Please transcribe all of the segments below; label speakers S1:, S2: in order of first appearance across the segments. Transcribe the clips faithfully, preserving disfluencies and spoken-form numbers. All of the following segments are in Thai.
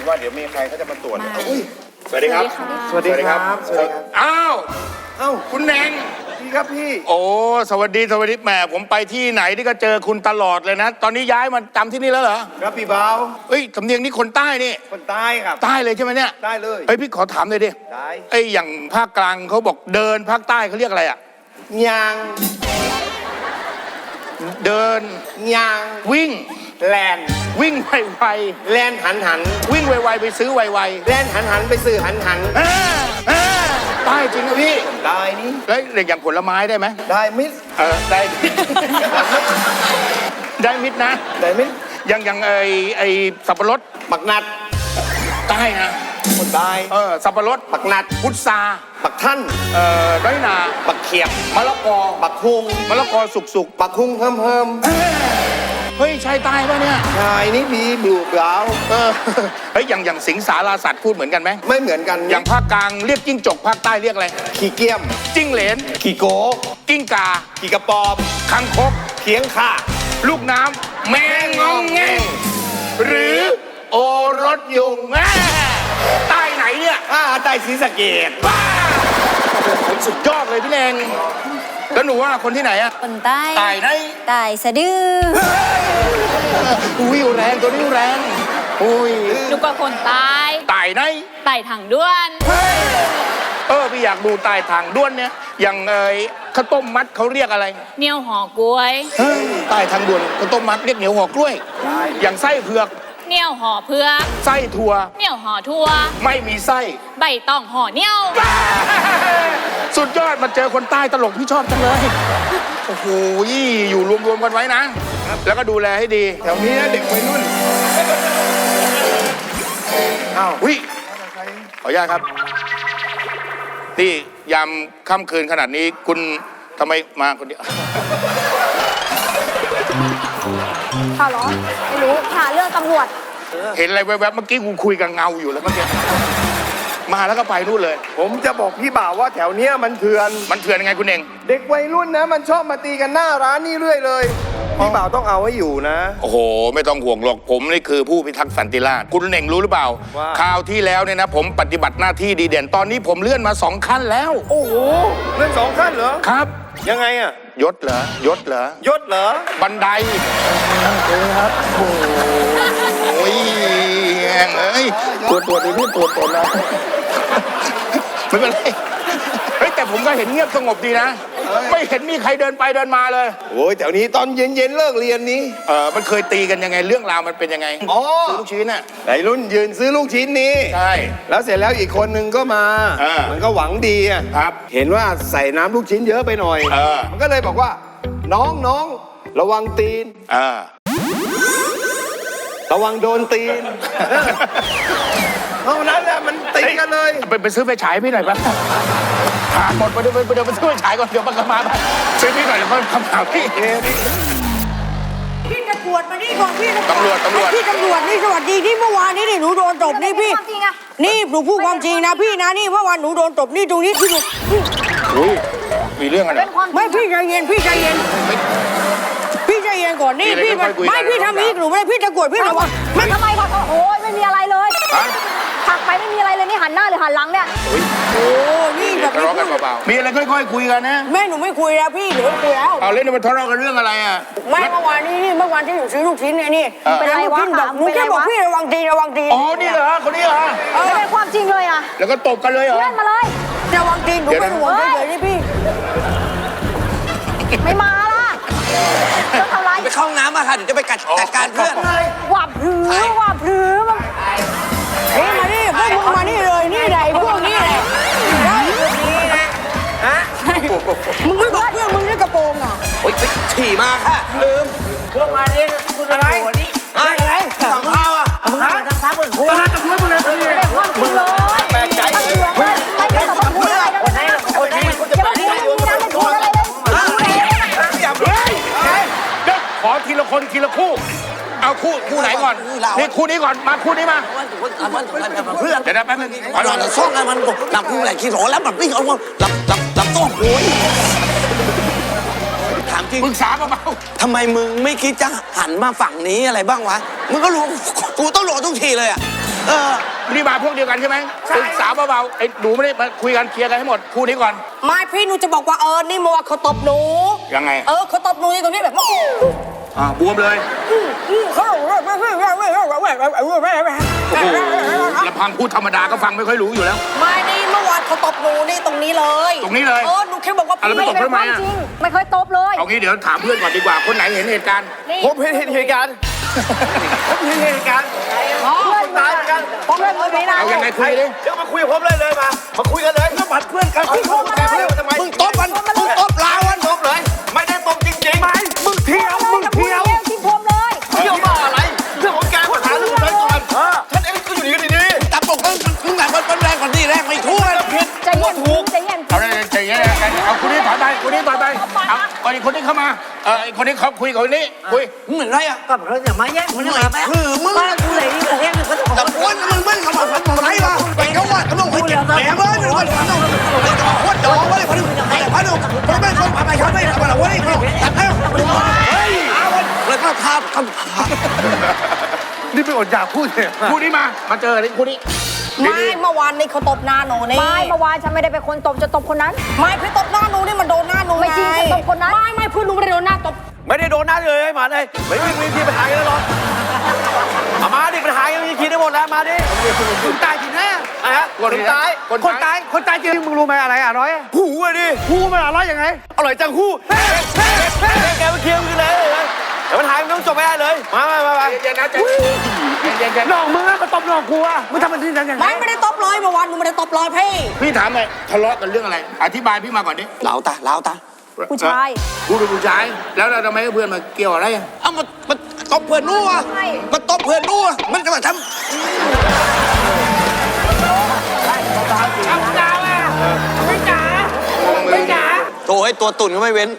S1: ว่าเดี๋ยวมีใครเขาจะมาตรวจ
S2: สวัสดีครับ
S1: สวัสดีครับสวัสดีครับ
S2: อ้าว
S1: เอ้า
S2: คุณแหนง
S1: พี่ครับพี่
S2: โอ้สวัสดีสวัสดีแหมผมไปที่ไหนที่ก็เจอคุณตลอดเลยนะ ตอนนี้ย้ายมาจำที่นี่แล้วเหรอ
S1: ครับพี่เบา
S2: เอ้ยสำเนียงนี่คนใต้นี่
S1: คนใต้ครับ
S2: ใต้เลยใช่ไหมเนี่ย
S1: ได้เลย
S2: เอ้ยพี่ขอถามเลยดิ
S1: ได้
S2: ไอ้อย่างภาคกลางเขาบอกเดินภาคใต้เขาเรียกอะไรอะ
S1: ยาง
S2: เดิน
S1: ยาง
S2: วิ่ง
S1: แลน
S2: วิ่งไว
S1: แลนหันหัน
S2: ๆวิ่งไวๆไปซื้อไว
S1: แลนหันหันไปซื้อหันหัน
S2: ๆอ่าอ่าใต้จริงนะพี่
S1: ได้นี่
S2: แล้วอย่างผลไม้ได้ไหม
S1: ได้มิส
S2: เออได้ ได้มิดนะ
S1: ได้มิส
S2: อย่างอย่างไอไอสับปะรด
S1: ปักนัด
S2: ใต้นะ
S1: คนใต้
S2: เออสับปะรด
S1: ปักนัด
S2: พุทรา
S1: ปักท่าน
S2: เอ่อน้อยนา
S1: ปักเขียบ
S2: มะละกอ
S1: ปักคุง
S2: มะละกอสุกสุก
S1: ปักคุงเพิ่มเพิ่ม
S2: ๆเอ้ยเฮ้ยใช่ใต้ป่ะเนี่ย
S1: ชายนี่บีบลูเบา
S2: เออเฮ้ยอย่างอย่างสิงสาราสัตว์พูดเหมือนกันไหม
S1: ไม่เหมือนกัน
S2: อย่างภาคกลางเรียกจิ้งจกภาคใต้เรียกอะไร
S1: ขี้เกียม
S2: จิ้งเหลน
S1: ขี้โก
S2: กิ้งกา
S1: ขี้กระปอม
S2: คังคก
S1: เขียงข่า
S2: ลูกน้ำแมงงองแงงหรือโอรสยุงแม่ใต้ไหนเนี่ย
S1: อ่าใต้ศรีสะเกด
S2: บ้าสุดยอดเลยพี่แนงแล้วหนูว่าคนที่ไหนอะ
S3: คนใต้
S2: ตายไหน
S3: ตายสะดือ
S2: อุ้ยแรงตัวนี้แรงอุ้ย
S4: หนูก็คนตาย
S2: ตายไหน
S4: ตายถังด้วน
S2: เออพี่อยากดูตายทางด้วนเนี่ยอย่างเอ้ยข้าวต้มมัดเขาเรียกอะไร
S4: เหนียวห่อกล้วย
S2: เฮ้ยตายทางด่วนข้าวต้มมัดเรียกเหนียวหัวกล้วย อย่างไส้เผือก
S4: เหนียวห่อเพือก
S2: ไส้ถั่ว
S4: เหนียวห่อทั่ว
S2: ไม่มีไส้
S4: ใบตองห่อเหนียว
S2: สุดยอดมาเจอคนใต้ตลกพี่ชอบจังเลยโอ้โหอยู่รวมๆกันไว้นะ แล้วก็ดูแลให้ดี
S1: แถวนี้นะเด็กวัยรุ่นอ้าว
S2: วิขออนุญาตครับนี่ยามค่ำคืนขนาดนี้คุณทำไมมาคนเดียว
S5: ข่าวเหรอไม่รู้หาเรื่องตำรวจ
S2: เห็นอะไรแวบๆเมื่อกี้กูคุยกับเงาอยู่แล้วเมื่อกี้มาแล้วก็ไปนู่นเลย
S1: ผมจะบอกพี่บ่าวว่าแถวเนี้ยมันเถื่อน
S2: มันเถื่อนยังไงคุณเอง
S1: เด็กวัยรุ่นนะมันชอบมาตีกันหน้าร้านนี่เรื่อยเลย พี่บ่าวต้องเอาให้อยู่นะ
S2: โอ้โห ไม่ต้องห่วงหรอกผมนี่คือผู้พิทักษ์สันติราษฎร์คุณเน่งรู้หรือเปล่า
S1: ว่า
S2: คราวที่แล้วเนี่ยนะ ผมปฏิบัติหน้าที่ดีเด่นตอนนี้ผมเลื่อนมาสองขั้นแล้ว
S1: โอ้โหเรื่องสองขั้นเหรอ
S2: ครับ
S1: ยังไงอะ
S2: ยศเหรอยศเหรอย
S1: ศเหรอ
S2: บันไดครับโอ้ยแหงเอ้ยตัวตัวดีพี่ตัวตัวนะไม่เป็นไรเฮ้ยแต่ผมก็เห็นเงียบสงบดีนะ ไม่เห็นมีใครเดินไปเดินมาเลย
S1: โอ้ยแถวนี้ตอนเย็นๆเลิกเรียนนี้
S2: เออมันเคยตีกันยังไงเรื่องราวมันเป็นยังไง
S1: อ๋อ
S2: ซื้อลูกชิ้นน่ะ
S1: วัยรุ่นยืนซื้อลูกชิ้นนี้
S2: ใช่
S1: แล้วเสร็จแล้วอีกคนนึงก็มา
S2: อ่ามั
S1: มันก็หวังดีอะ
S2: ครับ
S1: เห็นว่าใส่น้ำลูกชิ้นเยอะไปหน่อย
S2: เออ
S1: มันก็เลยบอกว่า น้องน้องระวังตีน
S2: อ่า
S1: ระวังโดนตีน เท่านั้นแหละมันตีกันเลย
S2: ไปไปซื้อไฟฉายพี่หน่อยปะหาหมดไปเดี๋ยวไปเดี๋ยวไปซื้อไฟฉายก่อนเดี๋ยวมันก็มาซื้อพี่หน่อยเดี๋ยวเขาคำถามพี่
S6: พี่ตำรวจมานี่ก่อนพี่
S2: ตำรวจตำรวจ
S6: พี่ตำรวจนี่สวัสดีที่เมื่อวานนี้นี่หนูโดนตบนี่พี่
S5: ความจริงอะ
S6: นี่หนูพูดความจริงนะพี่นะนี่เมื่อวานหนูโดนตบนี่ตรงนี้ที่หนู
S2: อุ้ยมีเรื่องอะไร
S5: เป็นความ
S6: ไม่พี่ใจเย็นพี่ใจเย็นพี่ใจเย็นก่อนนี่
S2: มีอะไร
S6: พี่มัน
S2: ค่อยๆคุยกัน
S6: ไม่พี่ทำนี้หนูไม่ได้พี่ตะกรวดพี่ระวัง
S5: ไม่ทำไมขอโทษโอ้ยไม่มีอะไรเลย
S2: ฮะ
S5: ถักไปไม่มีอะไรเลยนี่หันหน้าหรือหันหลังเนี่ย
S6: โอ้นี่แบบ
S2: ทะ
S6: นี้
S2: เลาะกันเบาๆมีอะไรค่อยๆคุยกันนะ
S6: แม่หนูไม่คุยแล้วพี่หนูไม่คุยแล้ว
S2: เอาเล่นมันทะเลาะกันเรื่องอะไรอ่ะ
S6: แม่เมื่อวานนี้นี่เมื่อวานที่หนูซื้อลูกชิ้นเนี่ยนี่
S2: เออ
S5: เป็นไรวะ
S6: ลูกชิ้นแบบหนูแค่บอกพี่ระวังตีระวังตี
S2: อ๋อนี่เหรอคนนี้เหรอ
S5: ไม่เป็นความจริงเลยอะ
S2: แล้วก็ตบกันเลยเหรอ
S5: เล่นมาเลย
S6: ระวังตีหนู
S2: เดี๋ยว
S6: เป็
S2: นะ
S6: นห่วงเฉยๆนี่พี่
S5: ไม่มาล่ะจะทำไร
S7: ไปเข้าห้องน้ำมาค่ะเดี๋ยวจะไปกัดจัดการเพื่อน
S5: หวับผือหวับผือมัน
S6: เฮ้ยมานี่พวกมึงมานี่เลยนี่ไหนพวกนี้แหละได้มึงไม่บอกเพื่อนมึงนี่กระโปรงอ่ะ
S7: โอ๊ยไปฉี่มาค่ะ ลืม
S6: พวกมานี่คุณอะไร
S7: อะไรสั่งข้าวอ่ะ
S6: มึงทำซ้ำมึงหัวจะช่วยมึงเลย
S5: เป็นความจริงเลยแปลกใจเลยไม่ไม่ได้ต้องพูดอะไรนะอย่ามาพูดอย่างนี้นะไม่พูดอะไรเลย
S7: อย่าเพิ่ง
S2: เดี๋ยวขอทีละคนทีละคู่ เอาคู่คู่ไหนก่อนนี่คู่นี้ก่อนมาคู่นี้มา
S7: เพื่อน
S2: เดี๋ยวนะแป๊บนึง
S7: ก่อนเราซ่องกันมันหลับกูแหละขี้โหแล้วแบบนี้เอาหลับหลับหลับต้องโวยถามจริง
S2: ปรึกษาเบา
S7: ทำไมมึงไม่คิดจะหันมาฝั่งนี้อะไรบ้างวะ มึงก็รู้กูต้องโหลทุกทีเลยอ่ะ
S2: ๆ
S7: เออ
S2: นี่มาพวกเดียวกันใช่ไหมศึกษาเบาๆไอ้หนูไม่ได้มาคุยกันเคลียร์กันให้หมดคู่นี้ก่อน
S6: ไม่พี่หนูจะบอกว่าเออนี่มัวเขาตบหนู
S2: ยังไง
S6: เออเขาตบหนูนี่ตรงนี้แบบ
S2: อ่าบวมเลย
S6: เขา
S2: โอ้โหลำพังพูดธรรมดาก็ฟังไม่ค่อยรู้อยู่แล้ว
S6: ไม่นี่เมื่อวานเขาตบหนูนี่ตรงนี้เลย
S2: ตรงนี้เลย
S6: เออหนูแค่บอกว่า
S2: อะไรไม่ตบทำไมอ่ะ
S5: จริงไม่เคยตบเลย
S2: เอางี้เดี๋ยวถามเพื่อนก่อนดีกว่าคนไหนเห็นเหตุการณ์
S1: ผมเห็นเหตุการณ์ผมเห็นเหตุการณ์
S5: เพื่อน
S1: ตายกัน
S5: ผมเลยไม่ได้
S2: เอายังไงคุยดิ
S1: เดี๋ยวมาคุยกับผมเลยเลยมา มาคุยกันเลยก็บัดเพื่อนกันคุยกันเพื่อนทำไม
S7: มึงตบมันมึงตบลาวัน
S1: ตบเลย ไม่ได้ตบจริงๆไม่มึงเที่ยวมึงเที่ยว
S5: ที่ผมเลย
S1: เที่ยวบ้าอะไรเรื่องของแกปัญหาเรื่องอะไรก่อนฉันเองก็อยู่ดีกันดี
S7: จับปกมึงมึงไหนมันเป็นแรงกว่านี่แรงไม่ทั่วเลยผิด
S5: ใจเย็นใจเย็น
S2: เอาเลยใจเย็นๆเอาคนนี้ถอยไปคนนี้ถอยไปเอาคนนี้คนนี้เข้ามาเออคนนี้เขาคุยกับคนนี้คุย
S7: มึงเหมือนไรอ่ะ
S6: ก็เราอย่ามาแย่งมันมาแป๊บ
S7: คือมึง
S6: บ้านกูเลยนี่แย่งมันก็ต้อง
S7: แต่อ้วนมึงมึงกับมันมันไรวะไปเขาว่าเขาต้องไปเก็บแหนมเลยมันมันต้องไปกับโคตรจอไว้พนุไอ้พนุพนุไม่คนไปเขาไม่ทำอะไรวะนี่พนุตัดให้เฮ้ยเอาเลยก็ทาบคำถาม
S1: นี่เป็นอดอยากพูดเนี่ย
S2: คู่นี้มามาเจอเลยคู่นี้
S6: ไม่เมื่อวานนี่เขาตบหน้าหนูนี่
S5: ไม่เมื่อวานฉันไม่ได้เป็นคนตบจะตบคนนั้น
S6: ไม่พี่ตบหน้าหนูนี่มันโดนหน้าหนู
S5: ไม่จริงฉันตบคนนั้น
S6: ไม่ไม่เพื่อนหนูไม่ได้โดนหน้าตบ
S1: ไม่ได้โดนน้าเลยมาเลยไม่มีวิธีปัญหากันแล้วหรอกมาดิปัญหากันมีคิดได้หมดแล้วมาดิคนตายจริงนะอะฮะคนตายคนตายคนตายจริงมึงรู้ไหมอะไรอร่อยหูอะดิหูมันอร่อยยังไงอร่อยจังหูแกมาเคลียร์มึงเลยแต่ปัญหามันต้องจบไม่ได้เลยมามามา
S2: เย็นๆนะใจเย็นๆ
S1: น้องมึงอะมาตบน้องกูอะมึงทำมันที่นั่นยังไง
S6: ไม่ไม่ได้ตบเลยเมื่อวานหนูไม่ได้ตบเลยพี่
S2: พี่ถามเลยทะเลาะกันเรื่องอะไร อธิบายพี่มาก่อนดิ
S7: เหลาตาเหลาตา
S5: ผู้ชาย
S2: ผู้เป็นผู้ชายแล้วเราทำไมเพื่อนมาเกี่ยวอะไรอ่ะ
S7: เอามามันตบเพื่อนนู่ะมันตบเพื่อนนู่ะมันจะมาทำโถ่ไอ้ตัวตุ่นก็ไม่เว้น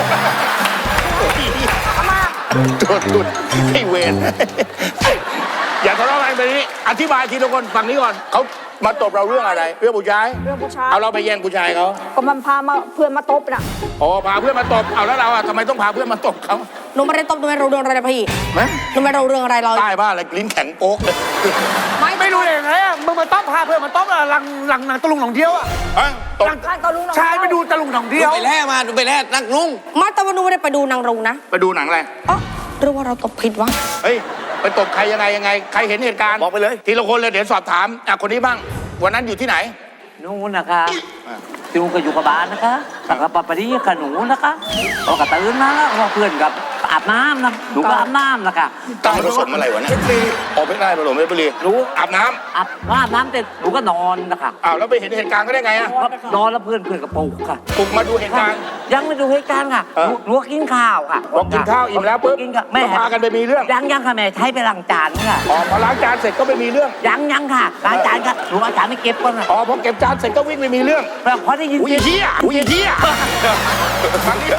S2: ตัวตุ่นไอ้เวรอย่าทะเลาะกันไปนี้อธิบายทีละคนฝั่งนี้ก่อนเขามาตบเราเรื่องอะไรเรื่องผู้ชาย
S5: เรื่องผู้ชาย
S2: เอาเราไปแย่งผู้ชายเขา
S5: ก็มันพามาเพื่อนมาตบน่ะ
S2: อ๋อพาเพื่อนมาตบเอาแล้วเราอ่ะทำไมต้องพาเพื่อนมาตบเขา
S6: หนูไม่ได้ตบหนูไม่รู้เรื่องอะไรเลยพี่
S2: ไหม
S6: หนูไม่รู้เรื่องอะไรเลย
S2: ใต้บ้านอะไรลิ้นแข็งโป๊กเลย
S6: ไม่ไม่รู้เลย
S1: ไงอะมึงมาต้องพาเพื่อนมาต้องหลังหลังหนังตะลุงหนองเดียวอะ
S2: ฮะตบ
S5: ข้างตะลุง
S1: ชายไปดูตะลุงหนองเดี
S7: ดู
S1: ยว
S7: ไปแล่มาดูไปแล่นักนุ่ง
S6: มาแต่ว่าหนูไม่ได้ไปดูนางรงนะ
S2: ไปดูหนังอะไร
S6: อ๋อหรือว่าเราตบผิดวะ
S2: เฮ้ยไปตบใครยังไงยังไงใครเห็นเหตุการณ์
S1: บอกไปเลย
S2: ทีละคนเลยเดี๋ยวสอบถามอ่ะคนนี้บ้างวันนั้นอยู่ที่ไหน
S3: นู่นนะคะที่มันก็อยู่กับบ้านนะคะแต่กับปะปะนี้กับหนูนะคะเราก็ตื่นมาแล้วว่าเพื่อนกับอาบน้ำนะหนูก็อาบน้ำนะคะ
S2: ตามผสมอะไรวะเนี่ยออกไม่ได้ผสมไม่ไปเลยรู้อาบน้ำ
S3: อาบอาบน้ำเสร็จหนูก็นอนนะคะ
S2: อ้าวแล้วไปเห็นเหตุการณ์ก็ได้ไงอ่ะ
S3: นอนแล้วเพื่อนเพื่อนกับปลุกค่ะ
S2: ปลุกมาดูเหตุการณ์
S3: ยังไม่ดูเหตุการณ์ค่ะ
S2: เออ
S3: หนูหนูก็กินข้าวค่ะ
S2: พอกินข้าวอิ่มแล้วปุ๊บ
S3: กินกับแม่
S2: ก็พากันไปมีเรื่อง
S3: ยังยังค่ะแม่ใช้ไปล้างจานค่ะ
S2: อ๋อพอล้างจานเสร็จก็ไปมีเรื่อง
S3: ยังยังค่ะล้างจานค่ะหนูเอาจานไม่เก็บก่อนค่ะ
S2: อ๋อพอเก็บจานเสร็จก็วิ่งไปมีเรื่อง
S3: แล้วพอได้ยิน
S2: อุ้ย
S3: เสียง
S2: เฮียอุ้ยเฮียฟังดิ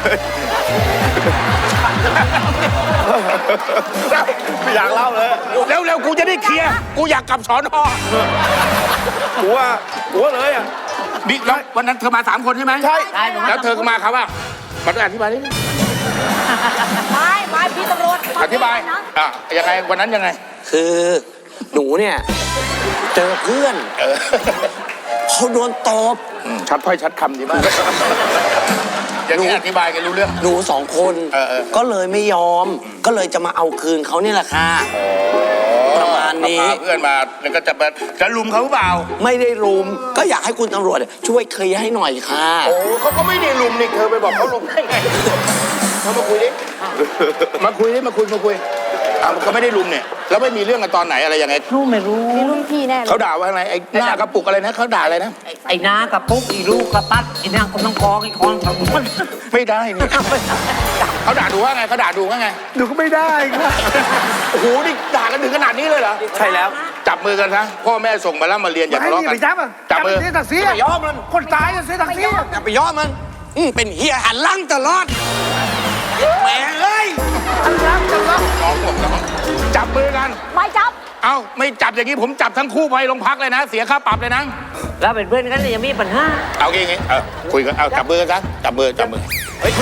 S1: ไม่อยากเล่าเลย
S2: เร็วเร็วๆกูจะได้เคลียร์กูอยากกลับสอนอ
S1: กูว่ากูว่าเลยอะ
S2: บิ๊กแล้ววันนั้นเธอมาสามคนใช่ไหม
S1: ใช่
S3: ได้หนู
S2: แล้วเธอก็มาครับว่ามาด้วยอธิบายนิดนึง
S6: ไม่ไม่พี่ตำรวจ
S2: อธิบายอ่ะยังไงวันนั้นยังไง
S7: คือหนูเนี่ยเจอเพื่อน
S2: เออ
S7: เขาโดนตบ
S2: อืมชัดถ้อยชัดคำดีมากอย่างนี้อธิบายกันรู้เรื่อง
S7: หนูสองคน
S2: เออเออ
S7: ก็เลยไม่ยอม ก็เลยจะมาเอาคืนเขาเนี่ยแหละค่ะ ประมาณนี้
S2: พาเพื่อนมาแล้วก็จะมาจะลุมเขาหรือเปล่า
S7: ไม่ได้รุม ก็อยากให้คุณตำรวจช่วยเคลียร์ให้หน่อยค่ะ
S2: โอ้เขาก็ไม่ได้ลุมนี่เธอไปบอกเขาลุมได้ไงมามาคุยดิมาคุยดิมาคุยมาคุยเอาเขาไม่ได้ลุมเนี่ยแล้วไม่มีเรื่องกันตอนไหนอะไรยังไง
S3: หนูไม่รู้
S5: มีรุ่นพี่แน่เลย
S2: เขาด่าว่าอะไรไอ้หน้ากระปุกอะไรนะเขาด่าอะไรนะ
S3: ไอ้ไอ้น้ากับปุ๊กอีลูกกับปั๊ดไอ้นางกำลังกองไอ้คอนของมัน
S2: ไม่ได้นี่เขาด่าดูว่าไงเขาด่าดูว่าไง
S1: ดูก็ไม่ได้ครับ
S2: โอ้โหนี่ด่ากันถึงขนาดนี้เลยเหรอ
S1: ใช่แล้ว
S2: จับมือกันซะพ่อแม่ส่งมาแล้วมาเรียนอย่าทะเลาะกัน
S1: ไปจับอ่ะ
S2: จับมือ
S1: เสียศักดิ์ศรี
S7: อย่าไปยอมมัน
S1: คนตายจะเสียศักดิ์ศรี
S7: อย่าไปยอมมันอืมเป็นเฮียหันหลังตลอดแหมเอ้ย
S2: น้องผมน้องจับมือกัน
S5: ไม่จับ
S2: เอ้าไม่จับอย่างนี้ผมจับทั้งคู่ไปโรงพักเลยนะ เสียค่าปรับเลยนะ
S3: แล้วเป็นเพื่อนกันเลยยังมีปัญหา
S2: เอางี้งี้เออคุยกันเอาจับมือกันซะจับมือจับมือเฮ้ย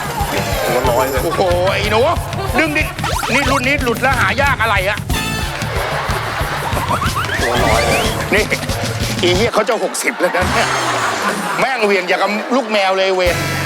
S2: หัวลอยเลยโอ้โหไอ้หนูดึงดินี่รุ่นนี้หลุดแล้วหายากอะไรอะนี่อีเหี้ยเขาจะหกสิบแล้วนะเนี่ยแม่งเวียนอย่างกับลูกแมวเลยเวน